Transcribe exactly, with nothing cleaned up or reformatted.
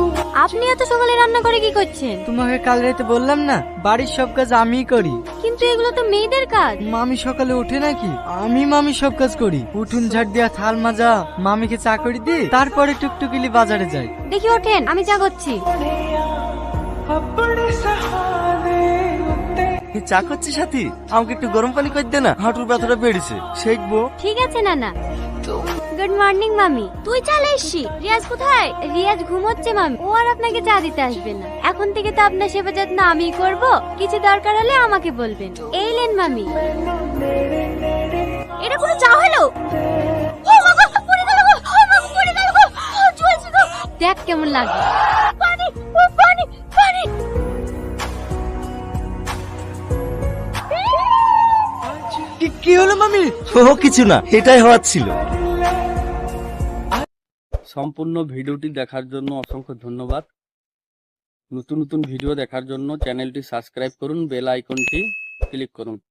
আপনি এত সকালে রান্না করে কি করছেন? তোমাকে কাল রাতে বললাম না, বাড়ির সব কাজ আমিই করি। কিন্তু এগুলো তো মেয়েদের কাজ। মামি সকালে ওঠে নাকি? আমি মামি সব কাজ করি। উঠুন ঝাড় দিয়া, থাল মাজা, মামিকে চা করে দিই, তারপরে টুকটুকিলি বাজারে যাই। দেখি ওঠেন, আমি চা করছি। চা করছি সাথী, আমাকে একটু গরম পানি করে দে না, হাঁটুর ব্যথাটা বেড়েছে, শেখবো। ঠিক আছে নানা। গুড মর্নিং মামি। তুই চলে এসছি। রিয়াজ কোথায়? রিয়াজ ঘুমোচ্ছে মামি, ও আর আপনাকে চা দিতে আসবে না। এখন থেকে তো আপনার সেবা যত্ন আমিই করব, কিছু দরকার হলে আমাকে বলবেন। এই লেন মামি। এটা কোনো চা হলো? ও বাবা, পড়ে গেল গো, ও বাবা, পড়ে গেল গো, ও জ্বলছে গো। দেখ কেমন লাগে। পানি, ও পানি, পানি। কি- কি হলো মামি? ও কিছু না, এটাই হওয়ার ছিল। সম্পূর্ণ ভিডিওটি দেখার জন্য অসংখ্য ধন্যবাদ। নতুন নতুন ভিডিও দেখার জন্য চ্যানেলটি সাবস্ক্রাইব করুন, বেল আইকনটি ক্লিক করুন।